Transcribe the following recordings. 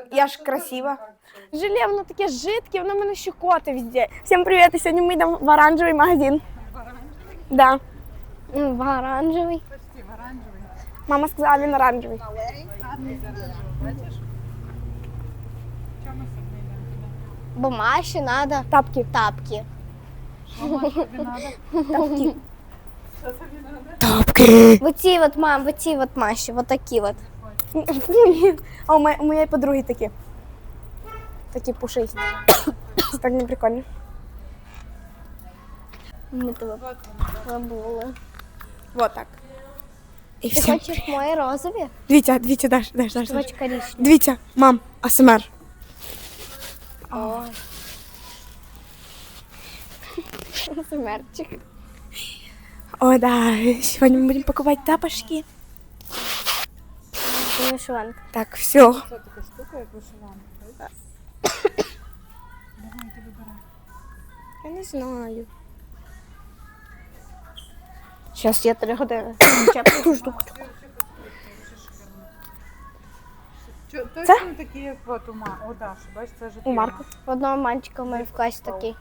Я ж красива. Желе, воно таке жидке, воно мене щекоти везде. Всім привіт, і сьогодні ми йдемо в оранжевий магазин. Да. В оранжевий. Почти в оранжевий. Мама сказала, він оранжевий. Гарний оранжевий, бачиш? Чому сьогодні йдемо туди? Бо Маші треба Тапки. тапки. Мама, що тобі треба? Тапки. Що тобі треба? Тапки. Вот ці от, мам, вот ці от Маші, вот такі от. Фу, ні. А у моєї подруги такі. Такі пушисті. Це так не прикольно. Ми тебе Вот забули. Вот так. І Ти все. хочеш мої розові? Дивіться, Даш. Ти хочеш коричневі? Дивіться, мам, АСМР. Ой. Смерчик. Ой, да, сегодня мы будем покупать тапочки. Це вишиванка. Так, все. Це така штука, як вишиванка. Давай, ти вибирай. Я не знаю. Сейчас я 3 години. Таку штуку. Точно такі, як от у Даші, бачиш, це ж У Марку. В одного мальчика в мене в класі такий.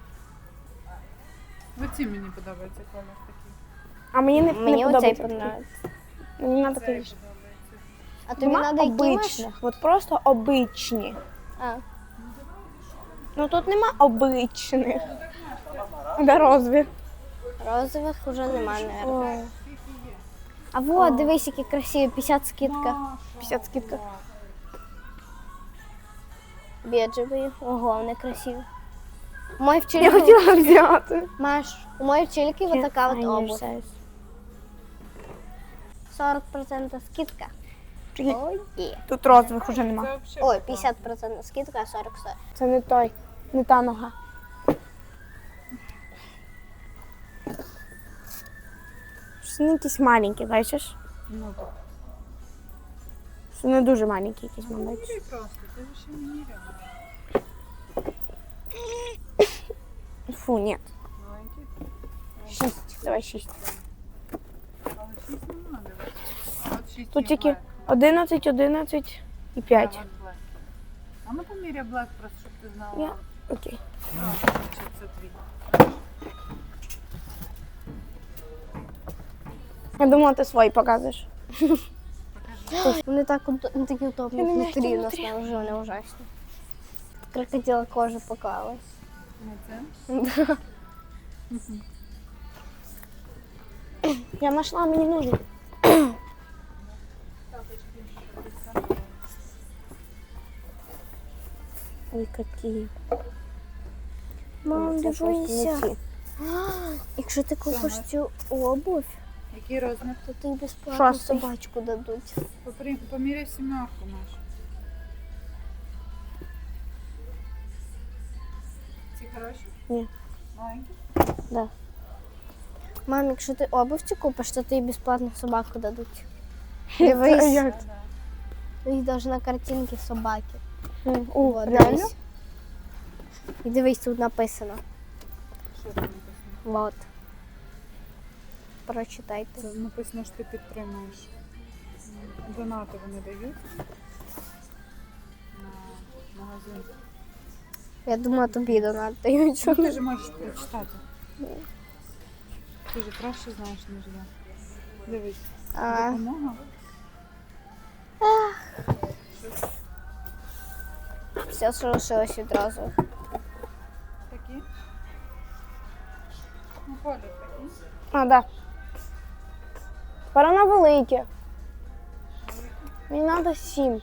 Оці мені подобається колір такий. А мені не Мені оцей подобається. подобається. Мені треба Цей такий. подобається. А тобі Нема треба які Маш? обичних, от просто обичні. А, Ну тут нема обичних. Да, розві. розових вже нема, наверное. Ой, А вот, дивись, які красиві, 50 скидка. 50 скидка. Бежеві. Ого, вони красиві. У моєї Я вчительки, хотіла взяти. Маш, у моєї вчительки вот така от обувь. Ай, 40% скидка. Чекай, Ой, є. тут розвих уже нема. Це взагалі Ой, 50% скидка, а 40 стоїть. Це не той, не та нога. Це не якісь маленькі, бачиш? Ну так. Це не дуже маленькі якісь, мабуть. Міряй просто, ти ж ще не міряла. Фу, ні. Маленький. 6, давай 6. Але 6 нема, дивись. От 6 Тут тільки 11, 11 і 5. А ну поміряй блек, просто щоб ти знала. Я... Окей. Чи це твій. Я думала, ти свої показуєш. Вони так не такі удобні Я не внутрі, знаю, у нас там вже вони ужасні. Крокодила кожа поклалась. Не це? Я знайшла, мені нужен. Ой, какие. Мам, Це просто не дивися. ці. Якщо ти купиш цю обувь, Який розмір? то тобі безплатно Шостий. собачку дадуть. Поміряй сімерку нашу. Ці хороші? Ні. Маленькі? Да. Мам, якщо ти обувь цю купиш, то тобі безплатно собаку дадуть. Це Дивись, як? їх даже на картинці собаки. О, От, реально? дивись. І дивись, тут написано. Що там написано? Вот. Прочитайте. Це написано, що ти підтримуєш. Донати вони дають на магазин. Я думала, тобі донатають. Ну, ти ж можеш прочитати. Ти ж краще знаєш, ніж я. Дивись. А. Допомога. Все, що лишилось відразу. Такі. Ну, колір такий. А, да. Тепер вона велике. Мені треба 7.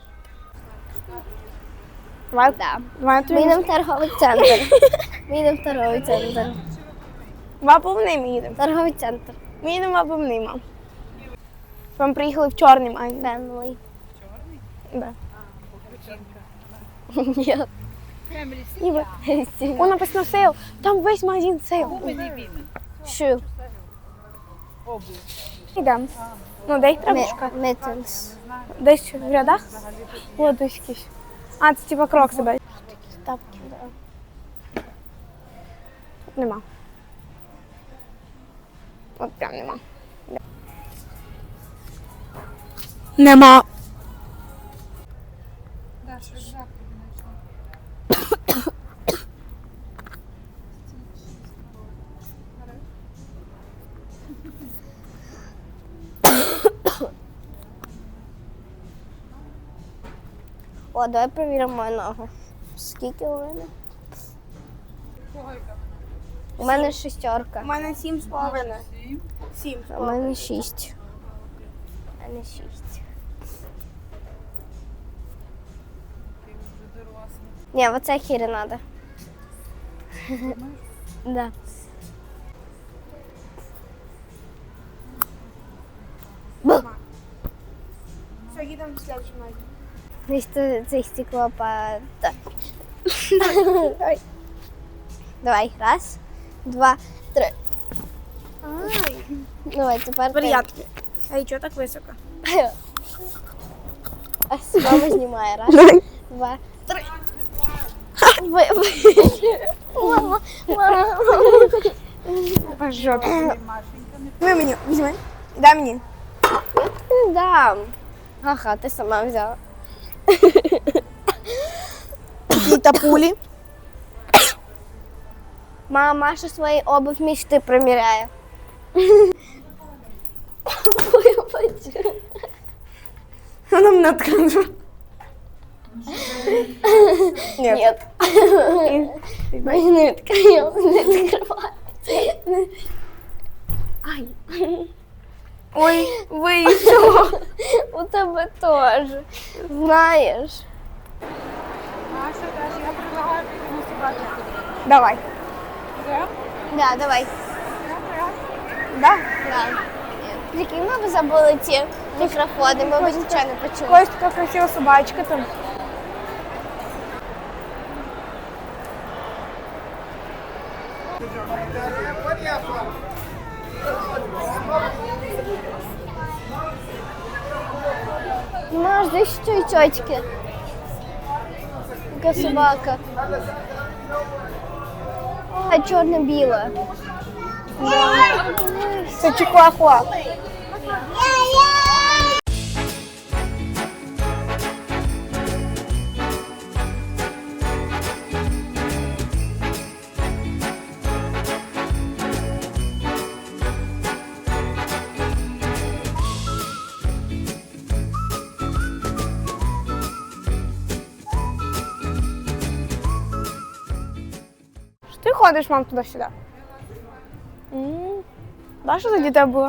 Давай, Да. давай Ми тобі. йдемо в торговий центр. Ми йдемо в торговий центр. В обувний ми їдемо. Торговий центр. Ми їдемо в обувний, мам. Вам приїхали в чорний магазин. Family. Чорний? Да. Ні. І ви. О, написано сейл. Там весь магазин сейл. Мені він. Що? Обув. Йдемо. Ну, де їх треба шукати? Mittens. Десь в рядах? О, десь якісь. А, це типа крокси, бачиш? Такі тапки, да. Тут нема. От прям нема. Нема. Да, що рюкзак тобі О, давай перевіримо мою ногу. Скільки у мене? У мене 6. У мене 7,5. 7. 7. У мене 6. У мене 6. Ти вже дорослий. Ні, оце хірі треба. Да. Все, їдемо в следующий магазин. Значит, це стеклопад. Давай, раз, два, три. Ай, Давай, тепер ти. приятно. А і чого так високо? А мама знімає. Раз, два, три. Мама, мама. По жопі. Машенька не Візьми мені, візьми. Дай мені. Не дам. Ага, ти сама взяла. Такі тапулі. Мама Маша свою обувь мечты примеряет. Вона мене открила. Нет. Нет. Не открывай, не открывай. Ай. Ой, вийшло. У тебе тоже. Знаешь. Маша, даже я предлагаю пойти на собаку. Давай. Да? Да, давай. Да? Да. Прикинь, мы бы забыли ті мікрофони, ми б нічого не почули. Ось така красива собачка там. Маш, здесь що і тьотьки. Яка собака. А чорно-біла. Це чихуахуа. Що ти ходиш, мам, туди-сюди? Да, що за дітей було?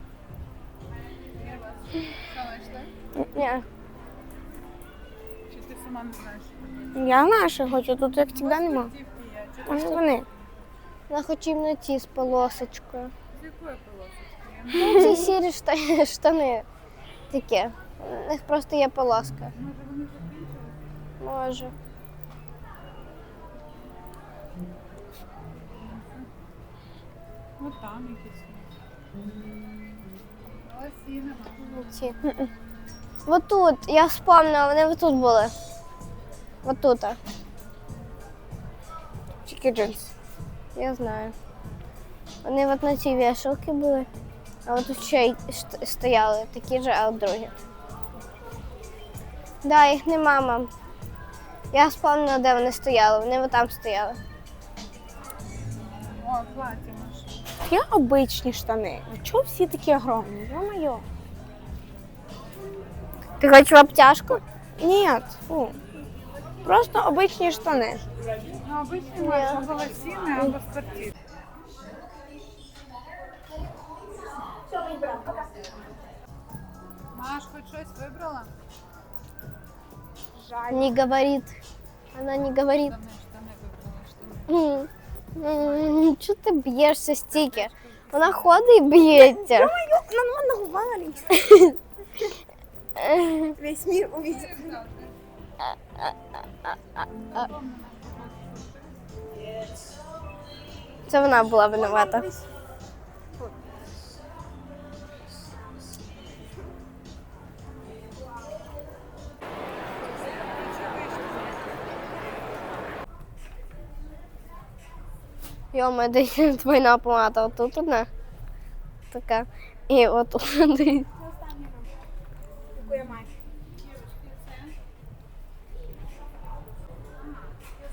Ні. Чи ти сама не знаєш? Я наша хочу, тут як завжди нема. Дівки є. Чи Вони вони. Вона хоче іменно ті з полосочкою. з якої полосочки? Ну, ці сірі штани такі. У них просто є полоска. Може вони закінчились? Може. Ну там якісь. Ось і нема. Ці. Вот тут, я вспомнила, вони вот тут були. Вот тут. Тільки джинси. Я знаю. Вони от на цій вішалці були, а от тут ще й стояли такі ж, а от другі. Да, їх нема, мам. Я вспомнила, де вони стояли. Вони от там стояли. О, плаття Маша. Є обичні штани. А чого всі такі огромні? Йо-моє. Ти хочеш в обтяжку? Ні, фу. Просто обичні штани. Ну, обычно Маша або лосіни, або спортивні. Маш, хоч щось вибрала? Жаль. Не говорит. Она не говорит. Штани вибрала, штани. Чого ти б'єшся стільки? Вона ходить і б'ється. Йо-моє, на ногу валить. Весь мир увидел. Це вона була винувата. Йома, десь двойна помада. Отут одна. Така. І отут. Яку я маю?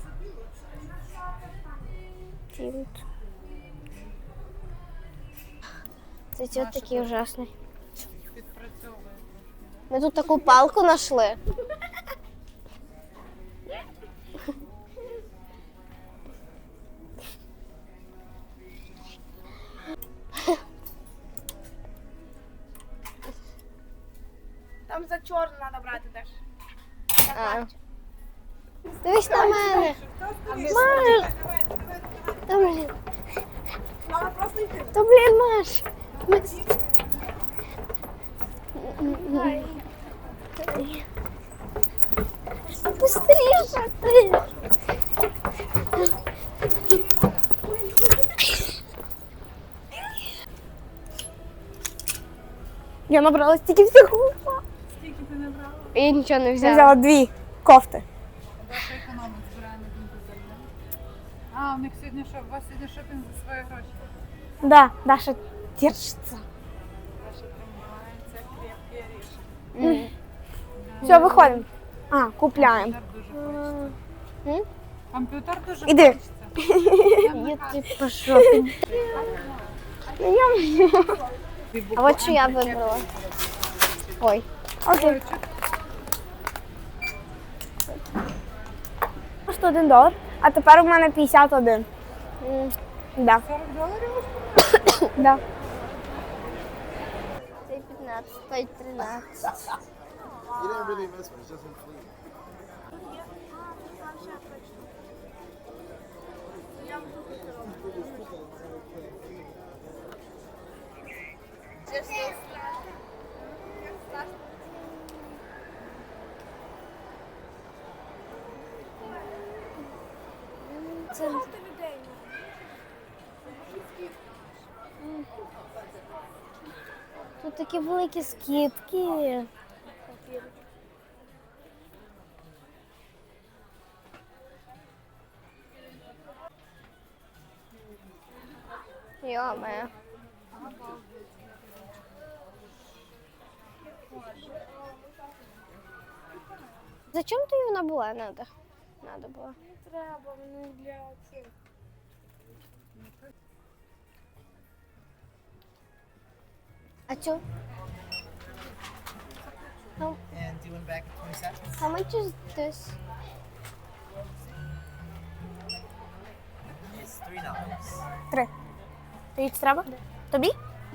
Це чого такий ужасний. Підпрацьовує. Ми тут таку палку знайшли. Там за чорну треба брати теж. А. Дивись на мене. Маш! Та, блін. Мама просто йти. Та, блін, Маш. Быстріше ти. Я набрала стільки всього. Скільки ти не брала? Я нічого не Я взяла. взяла 2 кофти. Даша економить, збирає на комп'ютер. А, у них сьогодні що? У вас сьогодні шопінг за свої гроші. Да, Даша держится. Даша тримається, крепкий рішення. Все, виходимо. А, купляємо. Комп'ютер дуже хочеться. М? Комп'ютер дуже Іди. хочеться. Я ти пішов. А от що я вибрала. Ой. Окей. $101, а тепер у мене 51. Да. $40 Да. Це 15, той 13. You didn't really miss one. It's just in fleet. Тут такі великі скидки. Йо-моє. Зачем тобі вона була? Надо було. Треба, мені для цих. А чо? And doing back at 20 seconds. How much is this? It's $3. 3. Тобі це треба? Тобі?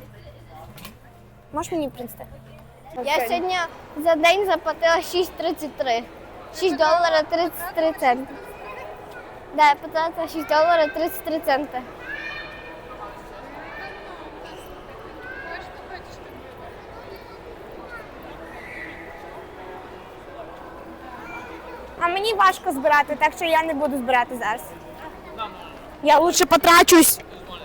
Можеш мені принести? Я сьогодні за день заплатила 6,33. $6.33. Да, я потратила $6.33. А мені важко збирати, так що я не буду збирати зараз. Я лучше потрачусь.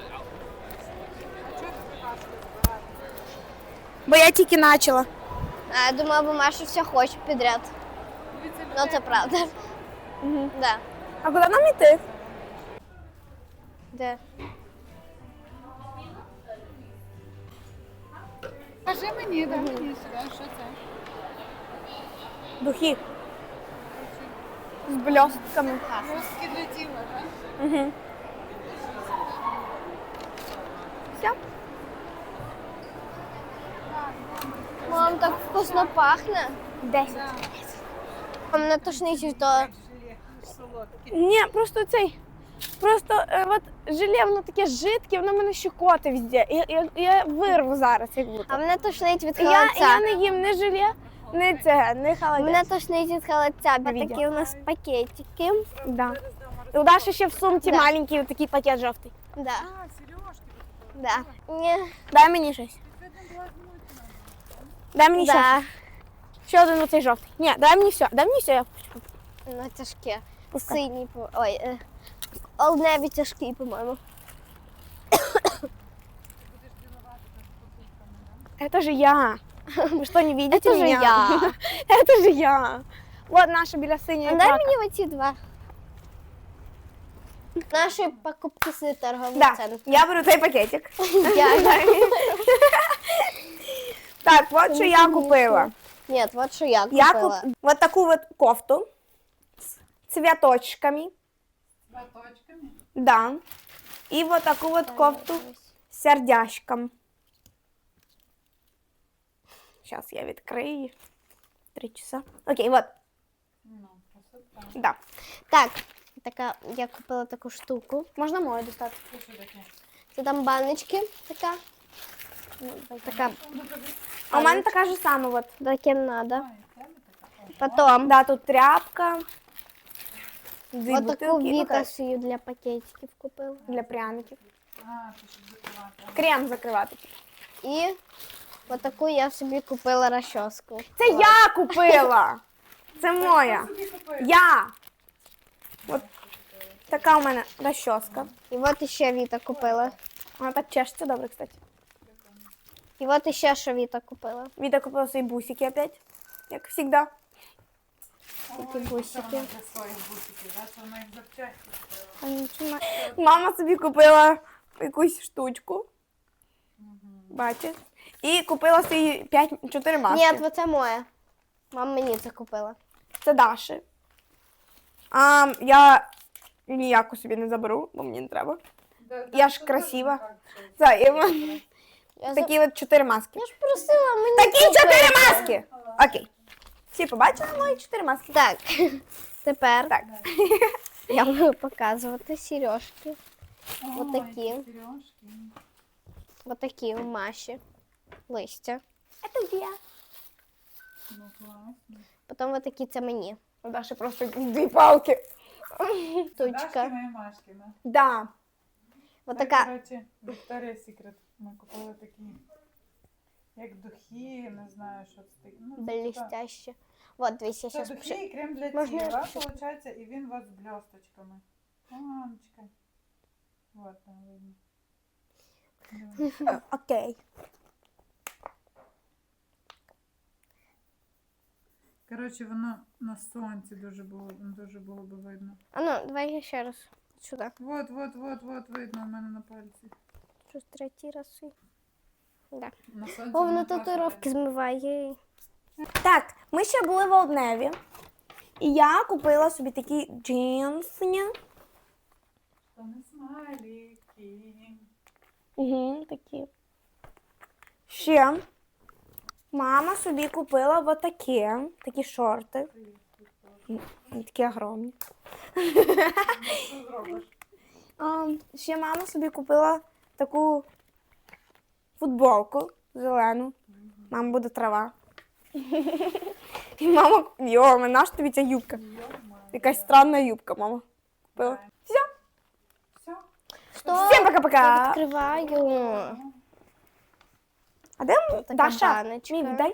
Бо я тільки почала. А я думала, бо Маша все хоче підряд. Ну це правда. Да. А куди нам йти? Де? Кажи мені, дай мені сюди, що це? Духи. З блістками. Русські для тіла, так? Угу. Все. Мам, так вкусно пахне. 10. А мене тошнить то. Желе солодке. Ні, просто цей. Просто от желе, воно таке жидке, воно мене щекоти везде. Я вирву зараз, як будто. А мене тошнить від Я холодця. не їм не желе, не це, не холодець. Мене тошнить від холодця, бо Відео. такі у нас пакетики. Да. І у Даші ще в сумці Да. маленький такий пакет жовтий. Да. А, сережки. Да. Ні. Дай мені щось. Дай мені ще. Да. Ще один оцей жовтий. Ні, дай мені все. Дай мені все, я хочу. Ну, тяжке. Пускай. Синій, ой, олдневі тяжкий, по-моєму. Это же я. Вы что, не видите Это же меня? я. Это же я. Вот наша біля синя А дай мені оці два. Наші покупки з торгових Да, центрів. я беру цей пакетик. Дякую. Так, вот що я купила. Ні, от що я Я купила. вот такую вот кофту с цветочками. Баточками. Да. И вот такую вот кофту с сердяшком. Зараз я відкрию. 3 часа. Окей, вот. Ну, красота. Да. Так, така, я купила таку штуку. Можна мою достати? Це що таке? Це там баночки така. Ну, така, А у мене така ж сама. Вот. таке надо. А, і в тебе така? Потім Да, тут тряпка. Дві отаку бутилки. Ну, вітасію для пакетиків купила. для пряників. А, це щоб закривати. Крем закривати. І отаку я собі купила розчоску. Це я купила! Це моя. Собі купив. Я! От така у мене розчоска. І от іще Віта купила. Вона так чешеться добре, кстати. І от іще що Віта купила. Віта купила свої бусики опять, як завжди. Такі Ой, бусики. це вона для своїх бусиків, да? Це вона їх запчасті купила. Мама собі купила якусь штучку. Бачиш? І купила свої 4 маски. Ні, оце моє. Мама мені це купила. Це Даші. А я ніяку собі не заберу, бо мені не треба. Я ж красива. Це, і Я, такі от 4 маски. я ж просила мені. Такі купити. 4 маски! Окей. Всі побачили мої 4 маски? Так, тепер Так. я буду показувати сережки. Ой, Отакі. сережки. Отакі у Маші. Листя. Це я. Ну, класно. Потім отакі це мені. У Даші просто 2 палки. Тучка. Дашкина і Машкина. Да. Отака. Коротше, Victoria's Secret. Ми купили такі, як духи, не знаю, що це таке. Ну, це Блістяще. Вот, дивись, я Це зараз духи і крем для Можна я тіла, ще? виходить, і він у вас з блісточками. Мамочка. Вот там видно. Да. Окей. Коротше, воно на сонці дуже було би видно. А ну, давай я ще раз. Сюди. Вот, видно у мене на пальці. Щось третій раз. Да. На сонці О, воно воно класно татуїровки змиває. Так, ми ще були в Олдневі. І я купила собі такі джинси. видно. То не смайлики. Угу, такі. Ще мама собі купила такі шорти. Вони такі огромні. Що зробиш? Ще мама собі купила таку футболку зелену. Мама буде трава. І мама, йо, наш тобі ця юбка. Якась странна юбка, мама купила. Все. Все? Що? Всім пока-пока. Відкриваю. А де Така Даша? баночка. Мій, віддай.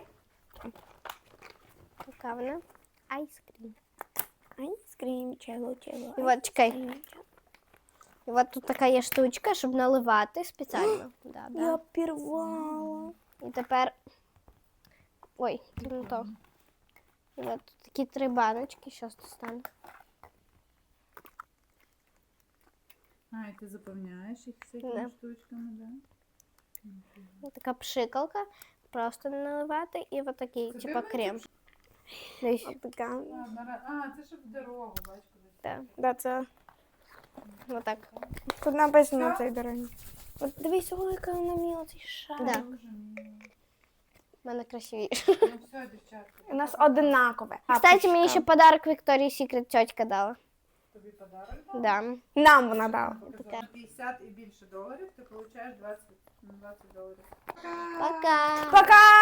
Яка вона? Айскрім. Айскрім, чело. І от, чекай. І от тут така є штучка, щоб наливати спеціально. Да, Я да. пірвала. І тепер. Ой, це не то. І от тут такі 3 баночки, щось достану. А, і ти заповняєш їх Да. всякими штучками, да? Ось така пшикалка. Просто наливати і от такий, Це типа ти крем. Дивись. Така. А, це щоб в дорогу, бач, кудись. Так, Да, це. отак. Тут написано Все? цей дорогі. От дивись, ой, яка вона міла, цей шар. Да. Дуже мило. У мене красивіше. Ну все, дівчатка. У нас одинакове. Кстати, мені ще подарок Victoria's Secret тьотька дала. Тобі подарок дала? Да. Нам вона дала. Показала. На 50 і більше доларів ти получаєш 20 доларів. Пока. Пока!